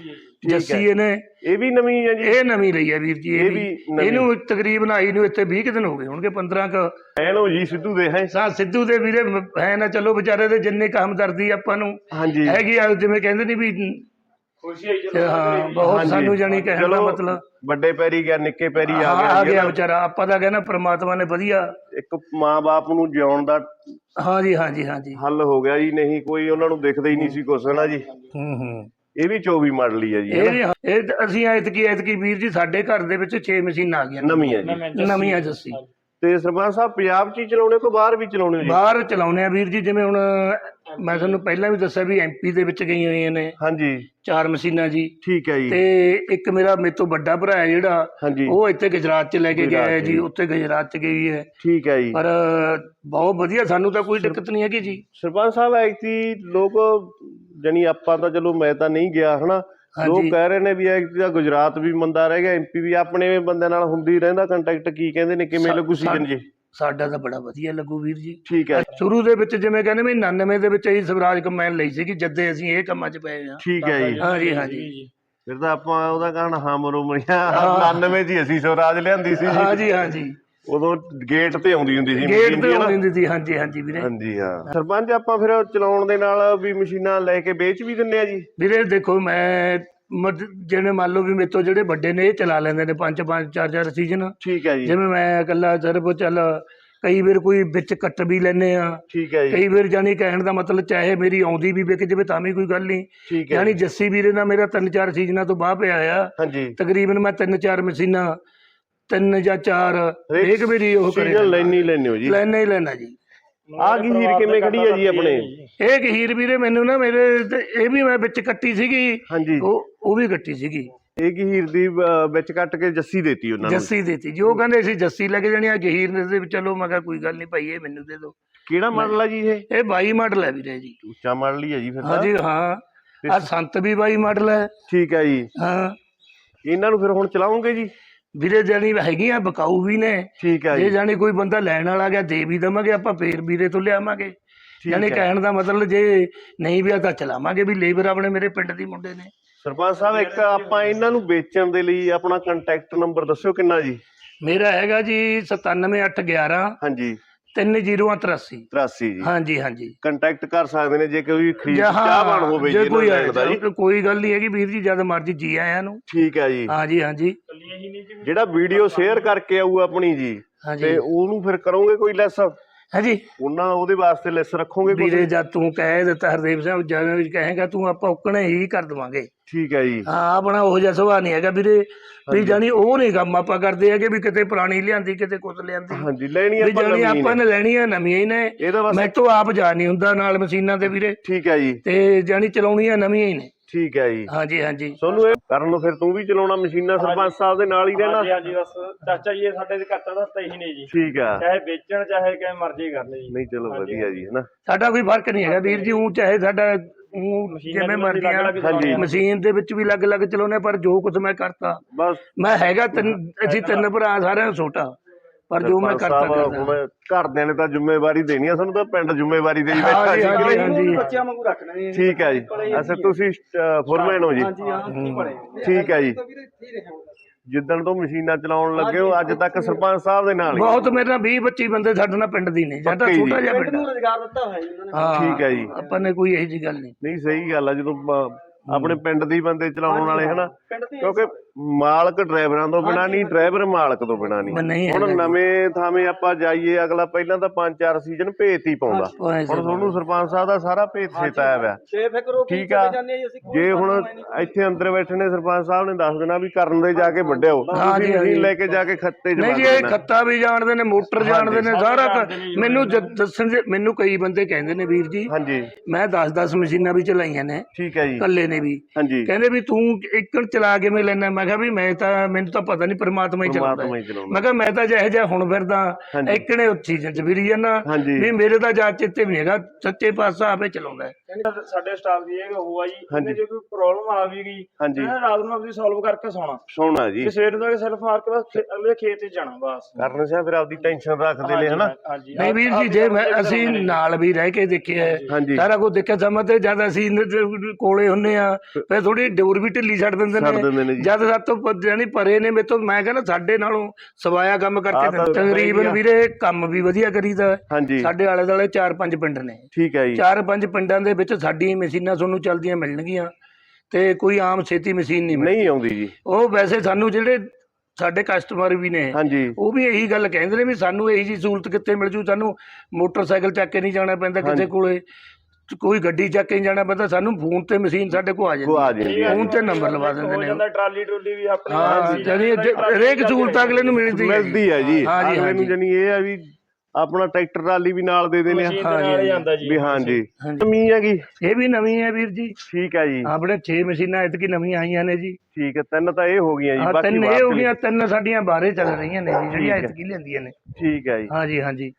ਜੱਸੀ ਇਹਨੇ ਇਹ ਵੀ ਨਵੀਂ ਹੈ ਜੀ? ਇਹ ਨਵੀਂ ਲਈ ਹੈ ਵੀਰ ਜੀ। ਇਹ ਵੀ ਇਹਨੂੰ ਤਕਰੀਬਨ ਆਈ ਨੂੰ ਇੱਥੇ 20 ਦਿਨ ਹੋ ਗਏ ਹੋਣਗੇ, 15 ਕ। ਐਨੋ ਜੀ ਸਿੱਧੂ ਦੇ ਹੈ। ਸਿੱਧੂ ਦੇ ਵੀਰੇ ਹੈ ਨਾ। ਚਲੋ ਵਿਚਾਰੇ ਦੇ ਜਿੰਨੇ ਕੰਮ ਦਰਦੀ ਆਪਾਂ ਨੂੰ ਹੈਗੀ ਆ, ਜਿਵੇਂ ਕਹਿੰਦੇ ਨੀ ਵੀ ਖੁਸ਼ੀ ਆਈ ਹਾਂ ਬਹੁਤ ਸਾਨੂੰ ਜਾਣੀ ਕਹਿਣ ਦਾ ਮਤਲਬ ਵੱਡੇ ਪੈਰੀ ਗਿਆ, ਨਿੱਕੇ ਪੈਰੀ ਆ ਗਿਆ ਵਿਚਾਰਾ। ਆਪਾਂ ਤਾਂ ਕਹਿੰਦਾ ਪ੍ਰਮਾਤਮਾ ਨੇ ਵਧੀਆ ਇੱਕ ਮਾਂ-ਬਾਪ ਨੂੰ ਜਿਉਣ ਦਾ ਹਾਂਜੀ ਹਾਂਜੀ ਹਾਂਜੀ ਹੱਲ ਹੋ ਗਿਆ ਜੀ। ਨਹੀਂ ਕੋਈ ਉਹਨਾਂ ਨੂੰ ਦਿਖਦਾ ਹੀ ਨਹੀਂ ਸੀ ਕੁਛ ਨਾ ਜੀ। ਇਹ ਵੀ 24 ਮਾਡਲ ਹੀ ਹੈ ਜੀ। ਇਹ ਅਸੀਂ ਐਤਕੀ ਵੀਰ ਜੀ ਸਾਡੇ ਘਰ ਦੇ ਵਿੱਚ 6 ਮਸ਼ੀਨਾਂ ਆ ਗਈਆਂ ਨਵੀਆਂ ਜੀ। ਨਵੀਆਂ ਜੱਸੀ। ਤੇ ਸਰਪੰਚ ਸਾਹਿਬ ਪੰਜਾਬ 'ਚ ਹੀ ਚਲਾਉਣੇ ਕੋ ਬਾਹਰ ਵੀ ਚਲਾਉਣੇ ਜੀ? ਬਾਹਰ ਚਲਾਉਣੇ ਆ ਵੀਰ ਜੀ। ਜਿਵੇਂ ਹੁਣ ਮੈਂ ਤੁਹਾਨੂੰ ਪਹਿਲਾਂ ਵੀ ਦੱਸਿਆ ਵੀ ਐਮਪੀ ਦੇ ਵਿੱਚ ਗਈਆਂ ਹੋਈਆਂ ਨੇ। ਹਾਂਜੀ 4 ਮਸ਼ੀਨਾਂ ਜੀ। ਠੀਕ ਹੈ ਜੀ। ਤੇ ਇੱਕ ਮੇਰਾ ਮੇਰੇ ਤੋਂ ਵੱਡਾ ਭਰਾ ਹੈ ਜਿਹੜਾ, ਉਹ ਇੱਥੇ ਗੁਜਰਾਤ 'ਚ ਲੈ ਕੇ ਗਿਆ ਹੈ ਜੀ। ਉੱਥੇ ਗੁਜਰਾਤ 'ਚ ਗਈ ਹੈ। ਠੀਕ ਹੈ ਜੀ। ਪਰ ਬਹੁਤ ਵਧੀਆ, ਸਾਨੂੰ ਤਾਂ ਕੋਈ ਦਿੱਕਤ ਨਹੀਂ ਹੈਗੀ ਜੀ। ਸਰਪੰਚ ਸਾਹਿਬ ਐਕਚੁਅਲੀ ਲੋਕ ਜਾਨੀ ਆਪਾਂ ਤਾਂ ਚਲੋ ਮੈਂ ਤਾਂ ਨਹੀਂ ਗਿਆ ਹਨਾ, ਲੋਕ ਕਹਿ ਰਹੇ ਨੇ ਵੀ ਐਕਚੁਅਲੀ ਗੁਜਰਾਤ ਵੀ ਮੰਦਾ ਰਹਿ ਗਿਆ, ਐਮਪੀ ਵੀ। ਆਪਣੇ ਬੰਦੇ ਨਾਲ ਹੁੰਦੀ ਰਹਿੰਦਾ ਕੰਟੈਕਟ, ਕੀ ਕਹਿੰਦੇ ਨੇ, ਕਿਵੇਂ ਲੱਗੂ ਸੀਜ਼ਨ ਜੀ? ਸਾਡਾ ਤਾਂ ਬੜਾ ਵਧੀਆ ਲੱਗੂ ਵੀਰ ਜੀ। ਠੀਕ ਹੈ। ਸ਼ੁਰੂ ਦੇ ਵਿੱਚ ਜਿਵੇਂ ਕਹਿੰਦੇ ਵੀ 99 ਦੇ ਵਿੱਚ ਅਸੀਂ ਸਵਰਾਜ ਕੰਬਾਈਨ ਲਈ ਸੀਗੀ, ਜਦੇ ਅਸੀਂ ਇਹ ਕੰਮਾਂ 'ਚ ਪਏ ਹਾਂ। ਠੀਕ ਹੈ ਜੀ। ਹਾਂਜੀ ਹਾਂਜੀ। ਫਿਰ ਤਾਂ ਆਪਾਂ ਉਹਦਾ ਕਹਿਣਾ ਹਾਂ ਮਰੋਮਰੀਆਂ 99 'ਚ ਅਸੀਂ ਸਵਰਾਜ ਲਿਆਂਦੀ ਸੀ। ਹਾਂਜੀ ਹਾਂਜੀ। ਉਦੋਂ ਗੇਟ ਤੇ ਆਉਂਦੀ ਹੁੰਦੀ ਸੀ, ਗੇਟ ਤੇ ਆਉਂਦੀ ਹੁੰਦੀ ਸੀ। ਹਾਂਜੀ ਹਾਂਜੀ ਵੀਰੇ। ਹਾਂਜੀ ਹਾਂ। ਸਰਪੰਚ ਆਪਾਂ ਫਿਰ ਚਲਾਉਣ ਦੇ ਨਾਲ ਵੀ ਮਸ਼ੀਨਾਂ ਲੈ ਕੇ ਵੇਚ ਵੀ ਦਿੰਦੇ ਆ ਜੀ? ਵੀਰੇ ਦੇਖੋ ਮੈਂ ਜਿਵੇਂ ਮੰਨ ਲਓ ਵੀ ਮੇਰੇ ਤੋਂ ਜਿਹੜੇ ਵੱਡੇ ਨੇ ਇਹ ਚਲਾ ਲੈਂਦੇ ਨੇ 5-5 4-4 ਸੀਜ਼ਨ। ਠੀਕ ਹੈ ਜੀ। ਜਿਵੇਂ ਮੈਂ ਇਕੱਲਾ ਸਿਰਫ ਚੱਲ ਕਈ ਵਾਰ ਕੋਈ ਵਿੱਚ ਕੱਟ ਵੀ ਲੈਂਦੇ ਆ। ਠੀਕ ਹੈ ਜੀ। ਕਈ ਵਾਰ ਜਾਨੀ ਕਹਿਣ ਦਾ ਮਤਲਬ ਚਾਹੇ ਮੇਰੀ ਆਉਂਦੀ ਵੀ ਵਿਕ ਜਾਵੇ ਤਾਂ ਵੀ ਕੋਈ ਗੱਲ ਨਹੀਂ। ਠੀਕ ਹੈ। ਜਾਨੀ ਜੱਸੀ ਵੀਰੇ ਨਾਲ ਮੇਰਾ 3-4 ਸੀਜ਼ਨਾਂ ਤੋਂ ਬਾਅਦ ਪਿਆ ਆ। ਹਾਂਜੀ। ਤਕਰੀਬਨ ਮੈਂ 3-4 ਮਸ਼ੀਨਾਂ 3 ਜਾਂ 4 ਇੱਕ ਵਾਰੀ ਉਹ ਕਰੇ ਲੈਣੇ ਹੋ ਜੀ? ਲੈਣਾ ਹੀ ਲੈਣਾ ਜੀ। ਆਹ ਗਹੀਰ ਕਿਵੇਂ ਖੜੀ ਹੈ ਜੀ ਆਪਣੇ? ਇਹ ਗਹੀਰ ਵੀਰੇ ਮੈਨੂੰ ਨਾ ਮੇਰੇ ਇਹ ਵੀ ਮੈਂ ਵਿੱਚ ਕੱਟੀ ਸੀਗੀ। ਹਾਂਜੀ। ਉਹ ਵੀ ਕੱਟੀ ਸੀਗੀ। ਇਹ ਗਹੀਰ ਦੀ ਵਿੱਚ ਕੱਟ ਕੇ ਜੱਸੀ ਦੇਤੀ ਉਹਨਾਂ ਨੂੰ? ਜੱਸੀ ਦੇਤੀ ਜੀ। ਉਹ ਕਹਿੰਦੇ ਅਸੀਂ ਜੱਸੀ ਲੈ ਕੇ ਜਾਣੀ ਆ, ਗਹੀਰ ਦੇ ਚਲੋ ਮੈਂ ਕਿਹਾ ਕੋਈ ਗੱਲ ਨਹੀਂ ਭਾਈ, ਇਹ ਮੈਨੂੰ ਦੇ ਦਿਓ। ਕਿਹੜਾ ਮਾਡਲ ਆ ਜੀ ਇਹ? ਇਹ 22 ਮਾਡਲ ਹੈ ਵੀਰੇ ਜੀ। ਉੱਚਾ ਮਾਡਲ ਹੀ ਹੈ ਜੀ ਫਿਰ? ਹਾਂਜੀ ਹਾਂ। ਆ ਸੰਤ ਵੀ 22 ਮਾਡਲ ਹੈ। ਠੀਕ ਹੈ ਜੀ। ਹਾਂ। ਇਹਨਾਂ ਨੂੰ ਫਿਰ ਹੁਣ ਚਲਾਉਂਗੇ ਜੀ? ਵੀਰੇ ਜਾਣੀ ਹੈਗੀਆਂ ਬਕਾਊ ਵੀ ਨੇ। ਠੀਕ ਹੈ ਜੀ। ਜੇ ਜਾਣੀ ਕੋਈ ਬੰਦਾ ਲੈਣ ਵਾਲਾ ਗਿਆ ਦੇ ਵੀ ਦੇਵਾਂਗੇ ਆਪਾਂ, ਫੇਰ ਵੀਰੇ ਤੋਂ ਲਿਆਵਾਂਗੇ। ਜਾਣੀ ਕਹਿਣ ਦਾ ਮਤਲਬ ਜੇ ਨਹੀਂ ਵੀ ਆ ਤਾਂ ਚਲਾਵਾਂਗੇ ਵੀ। ਲੇਬਰ ਆਪਣੇ ਮੇਰੇ ਪਿੰਡ ਦੀ ਮੁੰਡੇ ਨੇ। ਸਰਪੰਚ ਸਾਹਿਬ ਇੱਕ ਆਪਾਂ ਇਹਨਾਂ ਨੂੰ ਵੇਚਣ ਦੇ ਲਈ ਆਪਣਾ ਕੰਟੈਕਟ ਨੰਬਰ ਦੱਸਿਓ ਕਿੰਨਾ ਜੀ? ਮੇਰਾ ਹੈਗਾ ਜੀ 97811 ਹਾਂਜੀ 3083 83 ਜੀ। ਹਾਂਜੀ ਹਾਂਜੀ। ਕੰਟੈਕਟ ਕਰ ਸਕਦੇ ਨੇ ਜੇ ਕੋਈ ਖਰੀਦ ਜਾਂ ਚਾਹਵਾਨ ਹੋਵੇ ਜੇ ਜੀ ਕੋਈ ਲੈਣ ਦਾ ਜੀ। ਕੋਈ ਗੱਲ ਨਹੀਂ ਹੈਗੀ ਵੀਰ ਜੀ, ਜਦ ਮਰਜੀ ਜੀ ਆਇਆਂ ਨੂੰ। ਠੀਕ ਹੈ ਜੀ। ਹਾਂਜੀ ਹਾਂਜੀ ਜਿਹੜਾ ਵੀਡੀਓ ਸ਼ੇਅਰ ਕਰਕੇ ਆਊ ਆਪਣੀ ਜੀ, ਹਾਂਜੀ। ਤੇ ਉਹਨੂੰ ਫਿਰ ਕਰੋਗੇ ਕੋਈ ਲੈਸ? ਹਾਂਜੀ ਉਹਨਾਂ ਉਹਦੇ ਵਾਸਤੇ ਲੈਸ ਰੱਖੋਗੇ ਕੁਛ? ਵੀਰੇ, ਜਦ ਤੂੰ ਕਹਿ ਦਿੱਤਾ ਹਰਦੇਵ ਸਿੰਘ, ਜਦ ਕਹੇਗਾ ਤੂੰ ਆਪਾਂ ਉਕਣੇ ਹੀ ਕਰ ਦੇਵਾਂਗੇ। ਠੀਕ ਹੈ ਜੀ। ਹਾਂ, ਆਪਣਾ ਉਹੋ ਜਿਹਾ ਸੁਭਾਅ ਨਹੀਂ ਹੈਗਾ ਵੀਰੇ ਵੀ ਜਾਣੀ ਉਹ ਨਹੀਂ ਕੰਮ ਆਪਾਂ ਕਰਦੇ ਹੈਗੇ ਵੀ ਕਿਤੇ ਪੁਰਾਣੀ ਲਿਆਂਦੀ ਕਿਤੇ ਕੁਛ ਲਿਆਂਦੀ। ਹਾਂਜੀ, ਲੈਣੀ ਵੀ ਆਪਾਂ ਜਾਣੀ ਨਵੀਂ ਆਪਾਂ ਨੇ। ਨੇ ਲੈਣੀਆਂ ਨਵੀਆਂ ਹੀ ਨੇ। ਇਹਦਾ ਬਸ ਮੈਂ ਤੋਂ ਆਪ ਜਾ ਨਹੀਂ ਹੁੰਦਾ ਨਾਲ ਮਸ਼ੀਨਾਂ ਦੇ ਵੀਰੇ, ਠੀਕ ਹੈ ਜੀ। ਤੇ ਜਾਣੀ ਚਲਾਉਣੀਆਂ ਨਵੀਆਂ ਹੀ ਨੇ। ਠੀਕ ਹੈ ਜੀ। ਹਾਂਜੀ ਹਾਂਜੀ। ਤੁਹਾਨੂੰ ਇਹ ਕਰਨ ਨੂੰ ਫਿਰ ਤੂੰ ਵੀ ਚਲਾਉਣਾ ਮਸ਼ੀਨਾਂ, ਸਰਪੰਚ ਸਾਹਿਬ ਦੇ ਨਾਲ ਹੀ ਰਹਿਣਾ? ਹਾਂਜੀ ਹਾਂਜੀ, ਬਸ ਚਾਚਾ ਜੀ ਇਹ ਸਾਡੇ ਦੇ ਘਾਟਾ ਦਾ ਤਾਂ ਇਹੀ ਨੇ ਜੀ। ਠੀਕ ਆ। ਚਾਹੇ ਵੇਚਣ ਚਾਹੇ ਕਿਵੇਂ ਮਰਜ਼ੀ ਕਰ ਲੈ ਜੀ। ਨਹੀਂ ਚਲੋ ਵਧੀਆ ਜੀ, ਹੈ ਨਾ। ਸਾਡਾ ਕੋਈ ਫਰਕ ਨਹੀਂ ਹੈਗਾ ਵੀਰ ਜੀ, ਉਹ ਚਾਹੇ ਸਾਡਾ ਜਿਵੇਂ ਮਰਜ਼ੀ ਆ, ਹਾਂਜੀ। ਮਸ਼ੀਨ ਦੇ ਵਿੱਚ ਵੀ ਅਲੱਗ-ਅਲੱਗ ਚਲਾਉਣੇ, ਪਰ ਜੋ ਕੁਝ ਮੈਂ ਕਰਤਾ ਬਸ ਮੈਂ ਹੈਗਾ ਅਸੀਂ 3 ਭਰਾ, ਸਾਰਿਆਂ ਨੂੰ ਛੋਟਾ, ਪਰ ਜੋ ਮੈਂ ਕਰਤਾ ਹੁਣ ਘਰਦਿਆਂ ਨੇ ਤਾਂ ਜ਼ਿੰਮੇਵਾਰੀ ਦੇਣੀ ਆ, ਸਾਨੂੰ ਤਾਂ ਪਿੰਡ ਜ਼ਿੰਮੇਵਾਰੀ ਦੇਈ ਬੈਠਾ ਹਾਂਜੀ ਜੀ। ਹਾਂਜੀ ਹਾਂਜੀ। ਬੱਚਿਆਂ ਵਾਂਗੂ ਰੱਖਣਾ ਜੀ। ਠੀਕ ਹੈ ਜੀ। ਅੱਛਾ, ਤੁਸੀਂ ਫੋਰਮੈਨ ਹੋ ਜੀ? ਹਾਂਜੀ ਹਾਂ, ਕੀ ਬਣੇ ਠੀਕ ਹੈ ਜੀ। ਜਿੱਦਣ ਤੋਂ ਮਸ਼ੀਨਾਂ ਚਲਾਉਣ ਲੱਗੇ ਹੋ ਅੱਜ ਤੱਕ ਸਰਪੰਚ ਸਾਹਿਬ ਦੇ ਨਾਲ ਹੀ? ਬਹੁਤ, ਮੇਰੇ ਨਾਲ 20-25 ਬੰਦੇ ਸਾਡੇ ਨਾਲ ਪਿੰਡ ਦੀ ਨੇ, ਸਾਡਾ ਛੋਟਾ ਜਿਹਾ ਪਿੰਡ ਪਿੰਡ ਨੂੰ ਰੁਜ਼ਗਾਰ ਦਿੱਤਾ ਹੋਇਆ ਜੀ ਉਹਨਾਂ ਨੇ। ਹਾਂ ਠੀਕ ਹੈ ਜੀ। ਆਪਾਂ ਨੇ ਕੋਈ ਇਹੋ ਜਿਹੀ ਗੱਲ ਨਹੀਂ। ਨਹੀਂ ਸਹੀ ਗੱਲ ਆ, ਜਦੋਂ ਆਪਣੇ ਪਿੰਡ ਦੇ ਬੰਦੇ ਚਲਾਉਣ ਵਾਲੇ ਹਨਾ, ਪਿੰਡ ਦੀ ਕਿਉਂਕਿ ਮਾਲਕ ਡਰਾਈਵਰਾਂ ਤੋਂ ਬਿਨਾਂ ਨਹੀਂ, ਡਰਾਈਵਰ ਮਾਲਕ ਤੋਂ ਬਿਨਾਂ ਨਹੀਂ। ਨਹੀਂ ਹੁਣ ਨਵੇਂ ਥਾਵੇਂ ਆਪਾਂ ਜਾਈਏ, ਅਗਲਾ ਪਹਿਲਾਂ ਤਾਂ 5-4 ਸੀਜ਼ਨ ਭੇਤ ਹੀ ਪਾਉਂਦਾ। ਹੁਣ ਤੁਹਾਨੂੰ ਸਰਪੰਚ ਸਾਹਿਬ ਦਾ ਸਾਰਾ ਭੇਤ ਸੇਤਾ ਆਇਆ। ਬੇਫਿਕਰ ਹੋ ਕੇ ਠੀਕ ਆ। ਜਾਂਦੇ ਜੀ ਅਸੀਂ। ਜੇ ਹੁਣ ਇੱਥੇ ਅੰਦਰ ਬੈਠੇ ਨੇ ਸਰਪੰਚ ਸਾਹਿਬ ਨੇ ਦੱਸ ਦੇਣਾ ਵੀ ਕਰਨ ਦੇ ਜਾ ਕੇ ਵੱਢਿਓ, ਤੁਸੀਂ ਮਸ਼ੀਨ ਲੈ ਕੇ ਜਾ ਕੇ ਖੱਤੇ ਨਹੀਂ ਜੀ, ਇਹ ਖੱਤਾ ਵੀ ਜਾਣਦੇ ਨੇ, ਮੋਟਰ ਜਾਣਦੇ ਨੇ, ਸਾਰਾ ਮੈਨੂੰ ਦੱਸਣ ਦੇ। ਮੈਨੂੰ ਕਈ ਬੰਦੇ ਕਹਿੰਦੇ ਨੇ ਵੀਰ ਜੀ, ਹਾਂਜੀ ਮੈਂ 10-10 ਮਸ਼ੀਨਾਂ ਵੀ ਚਲਾਈਆਂ ਨੇ, ਠੀਕ ਹੈ ਜੀ। ਕੱਲੇ ਨੇ ਵੀ। ਹਾਂਜੀ, ਕਹਿੰਦੇ ਵੀ ਤੂੰ ਇੱਕ ਚਲਾ ਕਿਵੇਂ ਲੈਣਾ? ਮੈਂ ਕਿਹਾ ਵੀ ਮੈਨੂੰ ਤਾਂ ਪਤਾ ਨਹੀਂ, ਪਰਮਾਤਮਾ ਹੀ ਚਲਾਉਂਦਾ। ਪਰਮਾਤਮਾ ਹੀ ਚਲਾਉਂਦਾ। ਮੈਂ ਕਿਹਾ ਮੈਂ ਤਾਂ ਜਿਹੇ ਜਿਹਾ ਹੁਣ ਫਿਰਦਾ ਹਾਂਜੀ। ਇੱਕਣੇ ਸੀਜ਼ਨ ਚ ਫਿਰੀ ਜਾਂਦਾ ਹਾਂਜੀ। ਵੀ ਮੇਰੇ ਤਾਂ ਜਾ ਚਿੱਤੇ ਵੀ ਨਹੀਂ ਹੈਗਾ, ਸੱਚੇ ਪਾਤਸ਼ਾਹ ਆਪੇ ਚਲਾਉਂਦਾ ਹੈ। ਸਾਡੇ ਸਟਾਫ ਦੀ ਇਹ ਹੋਆ ਜੀ, ਹਾਂਜੀ। ਇਹਨੇ ਜੇ ਕੋਈ ਪ੍ਰੋਬਲਮ ਆ ਵੀ ਗਈ, ਹਾਂਜੀ। ਰਾਤ ਨੂੰ ਆਪਣੀ ਸੋਲਵ ਕਰਕੇ ਸੋਣਾ ਜੀ। ਤੇ ਸਵੇਰ ਨੂੰ ਸੈਲਫ ਮਾਰ ਕੇ ਬਸ ਅਗਲੇ ਖੇਤ 'ਚ ਜਾਣਾ ਬਸ। ਕਰਨ ਸਿਆ ਫਿਰ ਆਪਦੀ ਟੈਨਸ਼ਨ ਰੱਖਦੇ ਨੇ ਹਨਾ। ਹਾਂਜੀ। ਨਹੀਂ ਵੀਰ ਜੀ, ਜੇ ਅਸੀਂ ਨਾਲ ਵੀ ਰਹਿ ਕੇ ਦੇਖਿਆ ਹੈ, ਹਾਂਜੀ। ਸਾਰਾ ਕੁਝ ਦੇਖਿਆ ਸਮਾਂ, ਤੇ ਜਦ ਅਸੀਂ ਕੋਲੇ ਹੁੰਨੇ ਆ ਫਿਰ ਥੋੜੀ ਡੋਰ ਵੀ ਢਿੱਲੀ ਛੱਡ ਦਿੰਦੇ ਨੇ। ਜਦ ਸਾਤੋਂ ਜਾਨੀ ਪਰੇ ਨੇ ਮੇਰੇ ਤੋਂ, ਮੈਂ ਕਹਿੰਦਾ ਸਾਡੇ ਨਾਲੋਂ ਸਵਾਇਆ ਕੰਮ ਕਰਕੇ ਦਿੰਦੇ। ਤਕਰੀਬਨ ਵੀਰੇ ਕੰਮ ਵੀ ਵਧੀਆ ਕਰੀਦਾ। ਸਾਡੇ ਆਲੇ ਦੁਆਲੇ 4-5 ਪਿੰਡ ਨੇ। ਠੀਕ ਹੈ ਜੀ। 4-5 ਪਿੰਡਾਂ ਦੇ ਵਿੱਚ ਸਾਡੀਆਂ ਮਸ਼ੀਨਾਂ ਤੁਹਾਨੂੰ ਚੱਲਦੀਆਂ ਮਿਲਣਗੀਆਂ, ਤੇ ਕੋਈ ਆਮ ਛੇਤੀ ਮਸ਼ੀਨ ਨਹੀਂ ਆਉਂਦੀ ਜੀ। ਉਹ ਵੈਸੇ ਸਾਨੂੰ ਜਿਹੜੇ ਸਾਡੇ ਕਸਟਮਰ ਵੀ ਨੇ, ਹਾਂਜੀ, ਉਹ ਵੀ ਇਹੀ ਗੱਲ ਕਹਿੰਦੇ ਨੇ ਵੀ ਸਾਨੂੰ ਇਹੀ ਜੀ ਸਹੂਲਤ ਕਿੱਥੇ ਮਿਲ ਜੂ, ਸਾਨੂੰ ਮੋਟਰਸਾਈਕਲ ਚੱਕ ਕੇ ਨਹੀਂ ਜਾਣਾ ਪੈਂਦਾ ਕਿਸੇ ਕੋਲੇ, ਕੋਈ ਗੱਡੀ ਚੱਕ ਕੇ ਜਾਣਾ ਪੈਂਦਾ, ਸਾਨੂੰ ਫੋਨ ਤੇ ਮਸ਼ੀਨ ਸਾਡੇ ਕੋਲ ਆ ਜਾਂਦੀ ਹੈ, ਫੋਨ ਤੇ ਨੰਬਰ ਲਵਾ ਦਿੰਦੇ ਨੇ। ਟਰਾਲੀ ਟਰੂਲੀ ਵੀ ਆਪਣੇ ਹਾਂ, ਜਾਨੀ ਹਰੇਕ ਸਹੂਲਤ ਅਗਲੇ ਨੂੰ ਮਿਲਦੀ ਹੈ ਜੀ। ਹਾਂਜੀ ਅਗਲੇ ਨੂੰ ਜਾਨੀ ਇਹ ਆ ਵੀ ਆਪਣਾ ਟਰੈਕਟਰ ਟਰਾਲੀ ਵੀ ਨਾਲ ਦੇ ਦੇਣੇ ਆ। ਵੀ ਹਾਂਜੀ, ਨਵੀਂ ਹੈਗੀ, ਇਹ ਵੀ ਨਵੀਂ ਹੈ ਵੀਰ ਜੀ। ਠੀਕ ਹੈ ਜੀ। ਆਪਣੇ 6 ਮਸ਼ੀਨਾਂ ਐਤਕੀ ਨਵੀਆਂ ਆਈਆਂ ਨੇ ਜੀ। ਠੀਕ ਹੈ, 3 ਤਾਂ ਇਹ ਹੋ ਗਈਆਂ ਜੀ, ਬਾਕੀ 3 ਇਹ ਹੋ ਗਈਆਂ, 3 ਸਾਡੀਆਂ ਬਾਹਰੇ ਚੱਲ ਰਹੀਆਂ ਨੇ ਜੀ, ਜਿਹੜੀਆਂ ਐਤਕੀ ਲੈਂਦੀਆਂ ਨੇ। ਠੀਕ ਹੈ ਜੀ। ਹਾਂਜੀ ਹਾਂਜੀ।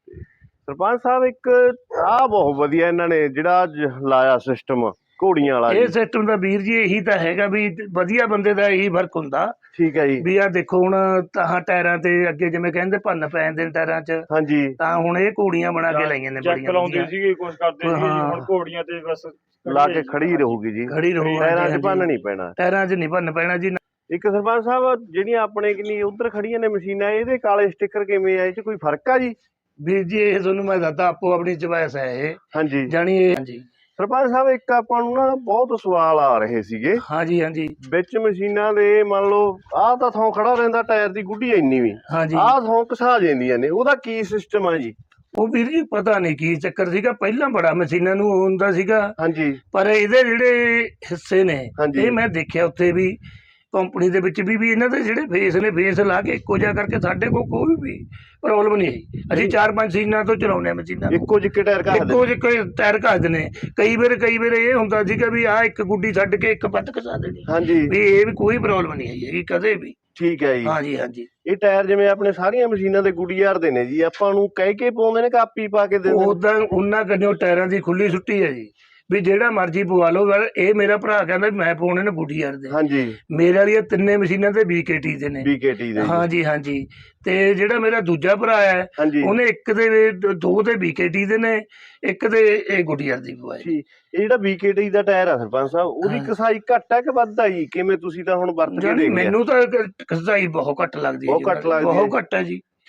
ਸਰਪੰਚ ਸਾਹਿਬ, ਇੱਕ ਆਹ ਬਹੁਤ ਵਧੀਆ ਇਹਨਾਂ ਨੇ ਜਿਹੜਾ ਲਾਇਆ ਸਿਸਟਮ ਘੋੜੀਆਂ ਵਾਲਾ। ਇਹ ਸਿਸਟਮ ਦਾ ਵੀਰ ਜੀ ਇਹੀ ਤਾਂ ਹੈਗਾ ਵੀ ਵਧੀਆ ਬੰਦੇ ਦਾ ਇਹੀ ਫਰਕ ਹੁੰਦਾ। ਠੀਕ ਹੈ ਜੀ। ਵੀ ਆ ਦੇਖੋ ਹੁਣ ਤਾਂ ਟਾਇਰਾਂ ਤੇ ਅੱਗੇ ਜਿਵੇਂ ਕਹਿੰਦੇ ਭੰਨ ਪੈ ਜਾਂਦੇ ਨੇ ਟਾਇਰਾਂ 'ਚ, ਹਾਂਜੀ, ਤਾਂ ਹੁਣ ਇਹ ਘੋੜੀਆਂ ਬਣਾ ਕੇ ਲਾਈਆਂ ਨੇ ਬੜੀਆਂ ਲਾਉਂਦੇ ਸੀਗੇ, ਕੁਝ ਕਰਦੇ ਸੀਗੇ, ਹੁਣ ਘੋੜੀਆਂ ਤੇ ਬਸ ਲਾ ਕੇ ਖੜੀ ਰਹੂਗੀ ਜੀ, ਖੜੀ ਰਹੂ, ਟਾਇਰਾਂ 'ਚ ਭੰਨ ਨਹੀਂ ਪੈਣਾ। ਟਾਇਰਾਂ 'ਚ ਨਹੀਂ ਭੰਨ ਪੈਣਾ ਜੀ। ਇੱਕ ਸਰਪੰਚ ਸਾਹਿਬ, ਜਿਹੜੀਆਂ ਆਪਣੇ ਕਿੰਨੀ ਉਧਰ ਖੜੀਆਂ ਨੇ ਮਸ਼ੀਨਾਂ, ਇਹਦੇ ਕਾਲੇ ਸਟicker ਕਿਵੇਂ ਆ? ਇਹ 'ਚ ਕੋਈ ਫਰਕ ਆ ਜੀ? ਵੀਰ ਜੀ ਇਹ ਤੁਹਾਨੂੰ ਮੈਂ ਦੱਸਦਾ, ਆਪੋ ਆਪਣੀ ਚੁਆਇਸ ਹੈ ਇਹ। ਹਾਂਜੀ, ਜਾਣੀ ਇਹ। ਹਾਂਜੀ ਸਰਪੰਚ ਸਾਹਿਬ, ਇੱਕ ਆਪਾਂ ਨੂੰ ਨਾ ਬਹੁਤ ਸਵਾਲ ਆ ਰਹੇ ਸੀਗੇ। ਹਾਂਜੀ ਹਾਂਜੀ। ਵਿੱਚ ਮਸ਼ੀਨਾਂ ਦੇ ਮੰਨ ਲਓ ਆਹ ਤਾਂ ਥੋਂ ਖੜਾ ਰਹਿੰਦਾ ਟਾਇਰ ਦੀ ਗੁੱਡੀ ਇੰਨੀ ਵੀ, ਹਾਂਜੀ, ਆਹ ਥੋਂ ਘਸਾ ਜਾਂਦੀਆਂ ਨੇ, ਉਹਦਾ ਕੀ ਸਿਸਟਮ ਆ ਜੀ? ਉਹ ਵੀਰ ਜੀ ਪਤਾ ਨਹੀਂ ਕੀ ਚੱਕਰ ਸੀਗਾ, ਪਹਿਲਾਂ ਬੜਾ ਮਸ਼ੀਨਾਂ ਨੂੰ ਹੁੰਦਾ ਸੀਗਾ। ਹਾਂਜੀ, ਪਰ ਇਹਦੇ ਜਿਹੜੇ ਹਿੱਸੇ ਨੇ ਹਾਂਜੀ, ਇਹ ਮੈਂ ਦੇਖਿਆ ਉੱਥੇ ਵੀ ਕੰਪਨੀ ਦੇ ਵਿੱਚ ਵੀ ਇਹਨਾਂ ਦੇ ਜਿਹੜੇ ਫੇਸ ਨੇ, ਫੇਸ ਲਾ ਕੇ ਇੱਕੋ ਜਿਹਾ ਕਰਕੇ ਸਾਡੇ ਕੋਲ ਕੋਈ ਵੀ ਪ੍ਰੋਬਲਮ ਨਹੀਂ ਆਈ। ਅਸੀਂ 4-5 ਸੀਜ਼ਨਾਂ ਤੋਂ ਚਲਾਉਂਦੇ ਹਾਂ ਮਸ਼ੀਨਾਂ, ਇੱਕੋ ਜਿਹੇ ਟਾਇਰ ਘਸਦੇ, ਇੱਕੋ ਜਿਹੇ ਟਾਇਰ ਘਸਦੇ ਨੇ। ਕਈ ਵਾਰ ਇਹ ਹੁੰਦਾ ਸੀਗਾ ਵੀ ਆਹ ਇੱਕ ਗੁੱਡੀ ਛੱਡ ਕੇ ਇੱਕ ਵੱਧ ਘਸਾ ਦੇਣੀ, ਹਾਂਜੀ, ਵੀ ਇਹ ਵੀ ਕੋਈ ਪ੍ਰੋਬਲਮ ਨਹੀਂ ਆਈ ਹੈਗੀ ਕਦੇ ਵੀ। ਠੀਕ ਹੈ ਜੀ। ਹਾਂਜੀ ਹਾਂਜੀ। ਇਹ ਟਾਇਰ ਜਿਵੇਂ ਆਪਣੇ ਸਾਰੀਆਂ ਮਸ਼ੀਨਾਂ ਦੇ ਗੁੱਡੀਆਰ ਦੇ ਨੇ ਜੀ, ਆਪਾਂ ਨੂੰ ਕਹਿ ਕੇ ਪਾਉਂਦੇ ਨੇ, ਕਾਪੀ ਪਾ ਕੇ ਦਿੰਦੇ ਨੇ? ਉਦਾਂ ਉਹਨਾਂ ਕੰਨਿਓ ਟਾਇਰਾਂ ਦੀ ਖੁੱਲੀ ਛੁੱਟੀ ਹੈ ਜੀ, ਵੀ ਜਿਹੜਾ ਮਰਜ਼ੀ ਪਵਾ ਲਓ। ਇਹ ਮੇਰਾ ਭਰਾ ਕਹਿੰਦਾ ਮੈਂ ਪਾਉਣੇ ਨੇ ਗੁੱਡੀਆਰ ਦੇ। ਹਾਂਜੀ, ਮੇਰੇ ਵਾਲੀਆਂ 3 ਮਸ਼ੀਨਾਂ ਤੇ BKT ਦੇ ਨੇ। BKT ਦੇ? ਹਾਂਜੀ ਹਾਂਜੀ। ਤੇ ਜਿਹੜਾ ਮੇਰਾ ਦੂਜਾ ਭਰਾ ਹੈ, ਹਾਂਜੀ, ਉਹਨੇ 1 ਦੇ 2 ਤੇ BKT ਦੇ ਨੇ, 1 ਤੇ ਇਹ ਗੁੱਡੀਆਰ ਦੀ ਪਵਾਈ। ਇਹ ਜਿਹੜਾ BKT ਦਾ ਟਾਇਰ ਆ ਸਰਪੰਚ ਸਾਹਿਬ, ਉਹਦੀ ਕਸਾਈ ਘੱਟ ਹੈ ਕਿ ਵੱਧ ਆ ਜੀ? ਕਿਵੇਂ ਤੁਸੀਂ ਤਾਂ ਹੁਣ ਵਰਤ ਕੇ ਦੇਖ ਲਿਆ? ਮੈਨੂੰ ਤਾਂ ਕਸਾਈ ਬਹੁਤ ਘੱਟ ਲੱਗਦੀ ਹੈ। ਬਹੁਤ ਘੱਟ ਲੱਗਦੀ ਹੈ? ਬਹੁਤ ਘੱਟ ਹੈ ਜੀ।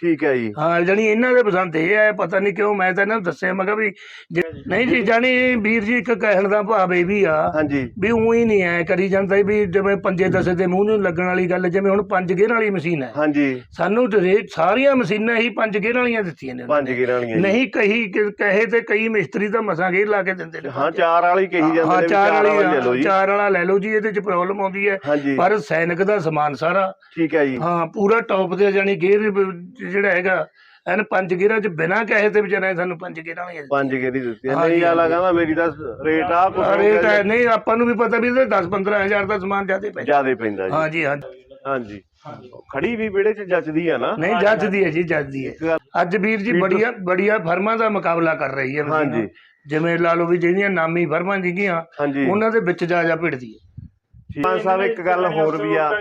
ਠੀਕ ਹੈ ਜੀ। ਹਾਂ ਜਾਣੀ ਇਹਨਾਂ ਦੇ ਪਸੰਦ ਇਹ ਹੈ, ਪਤਾ ਨਹੀਂ ਕਿਉਂ, ਮੈਂ ਤਾਂ ਇਹਨਾਂ ਨੂੰ ਦੱਸਿਆ ਮੈਂ ਕਿਹਾ ਵੀ ਨਹੀਂ ਜੀ ਜਾਣੀ ਵੀਰ ਜੀ ਇੱਕ ਕਹਿਣ ਦਾ ਭਾਵ ਇਹ ਵੀ ਆ ਹਾਂਜੀ ਵੀ ਉਹੀ ਨਹੀਂ ਐ ਕਰੀ ਜਾਂਦਾ ਵੀ ਜਿਵੇਂ ਪੰਜੇ ਦਸੇ ਦੇ ਮੂੰਹ ਨੂੰ ਲੱਗਣ ਵਾਲੀ ਗੱਲ, ਜਿਵੇਂ ਹੁਣ 5 ਗੇਅਰ ਵਾਲੀ ਮਸ਼ੀਨ ਹੈ, ਹਾਂਜੀ ਸਾਨੂੰ ਸਾਰੀਆਂ ਮਸ਼ੀਨਾਂ ਹੀ 5 ਗੇਅਰ ਵਾਲੀਆਂ ਦਿੱਤੀਆਂ ਨੇ ਉਹਨਾਂ 5 ਨੇ। ਗੇਅਰਾਂ ਵਾਲੀਆਂ ਜੀ। ਨਹੀਂ ਕਹੇ ਤੇ ਕਈ ਮਿਸਤਰੀ ਤਾਂ ਮਸਾਂ ਗੇਅਰ ਲਾ ਕੇ ਦਿੰਦੇ ਨੇ। ਹਾਂ 4 ਵਾਲੀ ਕਹੀ ਜਾਂਦੇ ਹਾਂ ਨੇ ਵੀ 4 ਵਾਲੀ ਲੈ ਲਓ ਵਾਲੀ ਜੀ। 4 ਵਾਲਾ ਲੈ ਲਓ ਜੀ, ਇਹਦੇ ਚ ਪ੍ਰੋਬਲਮ ਆਉਂਦੀ ਹੈ ਹਾਂਜੀ ਪਰ ਸੈਨਿਕ ਦਾ ਸਮਾਨ ਸਾਰਾ ਠੀਕ ਹੈ ਜੀ। ਹਾਂ ਪੂਰਾ ਟੌਪ ਤੇ ਜਾਨੀ ਗੇਅਰ ਜਿਹੜਾ ਹੈਗਾ ਐਨ 5 ਗੇਅਰਾਂ ਚ ਬਿਨਾਂ ਕਹੇ ਤੇ ਵਿਚਾਰੇ ਸਾਨੂੰ 5 ਗੇਅਰਾਂ ਵਾਲੀਆਂ 5 ਗੇਅਰ ਹੀ ਦਿੱਤੀ ਹਾਂਜੀ, ਨਹੀਂ ਆਲਾ ਕਹਿੰਦਾ ਮੇਰੀ ਤਾਂ ਰੇਟ ਆ ਕੁਛ ਰੇਟ ਹੈ ਨਹੀਂ ਆਪਾਂ ਨੂੰ ਵੀ ਪਤਾ ਵੀ ਇਹਦੇ 10-15 ਹਜ਼ਾਰ ਦਾ ਸਮਾਨ ਜ਼ਿਆਦਾ ਪੈਂਦਾ। ਜਿਆਦਾ ਪੈਂਦਾ ਜੀ। ਹਾਂਜੀ ਹਾਂਜੀ ਖੜੀ ਵੀ ਵਿਹੜੇ 'ਚ ਜੱਚਦੀ ਆ ਨਾ। ਨਹੀਂ ਜੱਜਦੀ ਹੈ ਜੀ, ਜੱਜਦੀ ਹੈ। ਅੱਜ ਵੀਰ ਜੀ ਬੜੀਆਂ ਫਰਮਾਂ ਦਾ ਮੁਕਾਬਲਾ ਕਰ ਰਹੀ ਹੈ ਮਸ਼ੀਨ। ਹਾਂਜੀ ਜਿਵੇਂ ਲਾ ਲਓ ਵੀ ਜਿਹੜੀਆਂ ਨਾਮੀ ਫਰਮਾਂ ਸੀਗੀਆਂ ਹਾਂਜੀ ਉਹਨਾਂ ਦੇ ਵਿੱਚ ਜਾ ਭਿੜਦੀ ਹੈ। ਪੰਜ ਸਾਹਿਬ ਇੱਕ ਗੱਲ ਹੋਰ ਵੀ ਆ,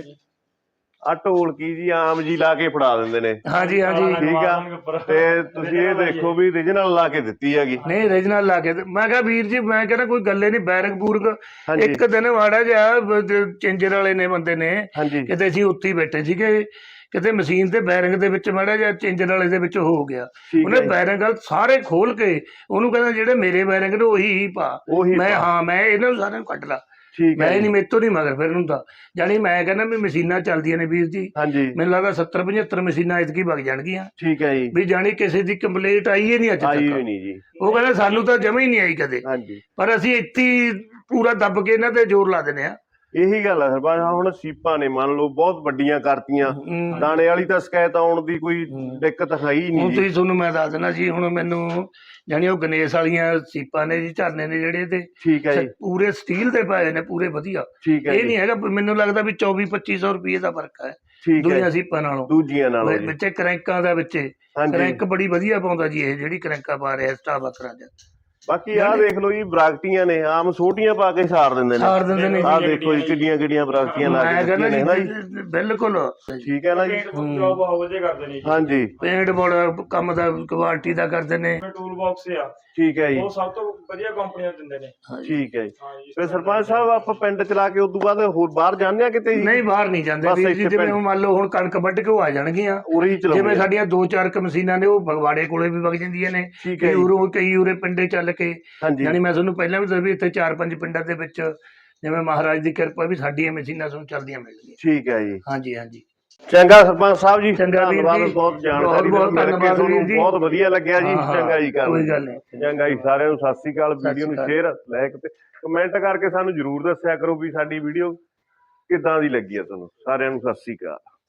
ਆ ਢੋਲਕੀ ਜੀ ਆਮ ਜੀ ਲਾ ਕੇ ਫੜਾ ਦਿੰਦੇ ਨੇ। ਹਾਂਜੀ ਹਾਂਜੀ ਠੀਕ ਆ ਤੇ ਤੁਸੀਂ ਇਹ ਦੇਖੋ ਵੀ ਓਰੀਜਨਲ ਲਾ ਕੇ ਦਿੱਤੀ ਹੈਗੀ। ਨਹੀਂ ਰੀਜਨਲ ਲਾ ਕੇ ਮੈਂ ਕਿਹਾ ਵੀਰ ਜੀ ਮੈਂ ਕਹਿੰਦਾ ਕੋਈ ਗੱਲੇ ਨਹੀਂ, ਬੈਰਕ ਬੂਰਕ ਹਾਂਜੀ ਇੱਕ ਦਿਨ ਮਾੜਾ ਜਿਹਾ ਚੇਂਜਰ ਵਾਲੇ ਨੇ ਬੰਦੇ ਨੇ ਹਾਂਜੀ ਕਿਤੇ ਅਸੀਂ ਉੱਥੇ ਹੀ ਬੈਠੇ ਸੀਗੇ, ਕਿਤੇ ਮਸ਼ੀਨ ਤੇ ਬੈਰਿੰਗ ਦੇ ਵਿੱਚ ਮਾੜਾ ਜਿਹਾ ਚੇਂਜਰ ਵਾਲੇ ਦੇ ਵਿੱਚ ਹੋ ਗਿਆ, ਠੀਕ ਉਹਨੇ ਹੈ ਬੈਰਿੰਗ ਸਾਰੇ ਖੋਲ ਕੇ ਉਹਨੂੰ ਕਹਿੰਦਾ ਜਿਹੜੇ ਮੇਰੇ ਬੈਰਿੰਗ ਨੇ ਉਹੀ ਹੀ ਪਾ। ਉਹੀ ਮੈਂ ਪਾ। ਹਾਂ ਮੈਂ ਇਹਨਾਂ ਨੂੰ ਸਾਰਿਆਂ ਨੂੰ ਕੱਢ ਲਾ, ਠੀਕ ਮੈਂ ਹੈ ਨਹੀਂ ਜੀ। ਮੇਰੇ ਤੋਂ ਨਹੀਂ ਮਗਰ ਫਿਰ ਹੁੰਦਾ। ਜਾਣੀ ਮੈਂ ਕਹਿੰਦਾ ਵੀ ਮਸ਼ੀਨਾਂ ਚੱਲਦੀਆਂ ਨੇ ਵੀਰ ਜੀ, ਹਾਂਜੀ ਮੈਨੂੰ ਲੱਗਦਾ 70-75 ਮਸ਼ੀਨਾਂ ਇਤਕੀ ਵਗ ਜਾਣਗੀਆਂ ਠੀਕ ਹੈ ਜੀ। ਵੀ ਜਾਣੀ ਕਿਸੇ ਦੀ ਕੰਪਲੇਂਟ ਆਈ ਹੀ ਨਹੀਂ ਅੱਜ ਆਈ ਤੱਕ। ਹੋਈ ਨਹੀਂ ਜੀ। ਉਹ ਕਹਿੰਦਾ ਸਾਨੂੰ ਤਾਂ ਜਮਾ ਹੀ ਨਹੀਂ ਆਈ ਕਦੇ, ਹਾਂਜੀ ਪਰ ਅਸੀਂ ਇੱਥੇ ਹੀ ਪੂਰਾ ਦੱਬ ਕੇ ਇਹਨਾਂ ਤੇ ਜ਼ੋਰ ਲਾ ਦਿੰਦੇ ਆ। ਇਹੀ ਗੱਲ ਆ ਸਰਪੰਚ ਸਾਹਿਬ, ਹੁਣ ਸੀਪਾਂ ਨੇ ਮੰਨ ਲਓ ਬਹੁਤ ਵੱਡੀਆਂ ਕਰਤੀਆਂ, ਦਾਣੇ ਵਾਲੀ ਤਾਂ ਸ਼ਿਕਾਇਤ ਆਉਣ ਦੀ ਕੋਈ ਦਿੱਕਤ ਹੈ ਹੀ ਨਹੀਂ ਹੁਣ ਜੀ। ਤੁਸੀਂ ਤੁਹਾਨੂੰ ਮੈਂ ਦੱਸ ਦੇਣਾ ਜੀ, ਹੁਣ ਮੈਨੂੰ ਜਾਣੀ ਉਹ ਗਣੇਸ਼ ਵਾਲੀਆਂ ਸੀਪਾਂ ਨੇ ਜੀ, ਝਰਨੇ ਨੇ ਜਿਹੜੇ ਤੇ ਠੀਕ ਹੈ ਜੀ ਪੂਰੇ ਸਟੀਲ ਦੇ ਪਾਏ ਨੇ, ਪੂਰੇ ਵਧੀਆ। ਠੀਕ ਹੈ ਇਹ ਜੀ ਨਹੀਂ ਹੈਗਾ, ਮੈਨੂੰ ਲੱਗਦਾ ਵੀ 24-2500 ਰੁਪਏ ਦਾ ਫਰਕ ਹੈ ਠੀਕ ਹੈ ਦੂਜੀਆਂ ਸੀਪਾਂ ਨਾਲੋਂ। ਦੂਜੀਆਂ ਨਾਲੋਂ ਜੀ। ਵਿੱਚੇ ਕਰੈਂਕਾਂ ਦਾ ਵਿੱਚੇ ਹਾਂਜੀ ਕਰੈਂਕ ਬੜੀ ਵਧੀਆ ਪਾਉਂਦਾ ਜੀ ਇਹ ਜਿਹੜੀ ਕਰੈਂਕਾਂ ਪਾ ਰਿਹਾ ਸਟਾਫ ਅਕਰਾਂ ਚ। ਬਾਕੀ ਆਹ ਦੇਖ ਲਓ ਜੀ ਬਰਾਕਟੀਆਂ ਨੇ ਆਮ ਛੋਟੀਆਂ ਪਾ ਕੇ ਸਾਰ ਦਿੰਦੇ ਨੇ। ਸਾਰ ਦਿੰਦੇ ਨੇ ਆਹ ਦੇਖੋ ਜੀ ਕਿੱਡੀਆਂ ਕਿੱਡੀਆਂ ਬਰਾਕਟੀਆਂ ਲਾ ਮੈਂ ਕੇ ਕਹਿੰਦਾ ਦਿੱਤੀਆਂ ਨੇ ਨਾ ਜੀ। ਜੀ ਬਿਲਕੁਲ ਠੀਕ ਹੈ ਨਾ ਜੀ। ਜੋਬ ਬਹੁਤ ਵਧੀਆ ਕਰਦੇ ਨੇ ਜੀ। ਹਾਂਜੀ ਪੇਂਟ ਬੜਾ ਕੰਮ ਦਾ ਕੁਆਲਿਟੀ ਦਾ ਕਰਦੇ ਨੇ। ਟੂਲ ਬਾਕਸ ਆ ਠੀਕ ਹੈ ਜੀ। ਉਹ ਸਭ ਤੋਂ ਵਧੀਆ ਕੰਪਨੀਆਂ ਦਿੰਦੇ ਨੇ। ਠੀਕ ਹੈ ਜੀ। ਹਾਂ ਜੀ। ਫਿਰ ਸਰਪੰਚ ਸਾਹਿਬ ਆਪਾਂ ਪਿੰਡ ਚਲਾ ਕੇ ਉਦੋਂ ਬਾਅਦ ਹੋਰ ਬਾਹਰ ਜਾਂਦੇ ਆ ਕਿਤੇ ਜੀ? ਨਹੀਂ ਬਾਹਰ ਨਹੀਂ ਜਾਂਦੇ ਬਸ ਵੀਰ ਜੀ, ਇੱਥੇ ਜਿਵੇਂ ਪਿੰਡ। ਹੁਣ ਮੰਨ ਲਓ ਹੁਣ ਕਣਕ ਵੱਢ ਕੇ ਉਹ ਆ ਜਾਣਗੀਆਂ, ਉਰੇ ਹੀ ਜਿਵੇਂ ਚਲਾਉਂਦੇ ਆ। ਸਾਡੀਆਂ 2-4 ਮਸ਼ੀਨਾਂ ਨੇ ਉਹ ਫਗਵਾੜੇ ਕੋਲੇ ਵੀ ਵਗ ਜਾਂਦੀਆਂ ਨੇ, ਠੀਕ ਹੈ ਕਈ ਉਰੇ ਪਿੰਡੇ ਚੱਲ ਕੇ। ਹਾਂਜੀ ਯਾਨੀ ਮੈਂ ਤੁਹਾਨੂੰ ਪਹਿਲਾਂ ਵੀ ਦੱਸਿਆ ਵੀ ਇੱਥੇ 4-5 ਪਿੰਡਾਂ ਦੇ ਵਿੱਚ ਜਿਵੇਂ ਮਹਾਰਾਜ ਦੀ ਕਿਰਪਾ ਵੀ ਸਾਡੀਆਂ ਮਸ਼ੀਨਾਂ ਤੁਹਾਨੂੰ ਚੱਲਦੀਆਂ ਮਿਲਦੀਆਂ। ਠੀਕ ਹੈ ਜੀ। ਹਾਂਜੀ ਹਾਂਜੀ ਚੰਗਾ ਸਰਪੰਚ ਸਾਹਿਬ ਜੀ, ਚੰਗਾ ਵੀਰ ਧੰਨਵਾਦ, ਜੀ। ਬਹੁਤ ਜਾਣਕਾਰੀ ਬਹੁਤ ਮਿਲ ਕੇ ਧੰਨਵਾਦ ਤੁਹਾਨੂੰ ਵੀਰ ਜੀ। ਬਹੁਤ ਵਧੀਆ ਲੱਗਿਆ ਜੀ। ਹਾਂ, ਹਾਂ, ਚੰਗਾ ਜੀ ਕੋਈ ਗੱਲ ਨਹੀਂ। ਚੰਗਾ ਜੀ। ਸਾਰਿਆਂ ਨੂੰ ਸਤਿ ਸ੍ਰੀ ਅਕਾਲ। ਵੀਡੀਓ ਨੂੰ ਅਕਾਲ। ਸ਼ੇਅਰ ਲਾਇਕ ਤੇ ਕਮੈਂਟ ਕਰਕੇ ਸਾਨੂੰ ਜਰੂਰ ਦੱਸਿਆ ਕਰੋ ਵੀ ਸਾਡੀ ਵੀਡੀਓ ਕਿੱਦਾਂ ਦੀ ਲੱਗੀ ਆ ਤੁਹਾਨੂੰ। ਸਾਰਿਆਂ ਨੂੰ ਸਤਿ ਸ੍ਰੀ ਅਕਾਲ।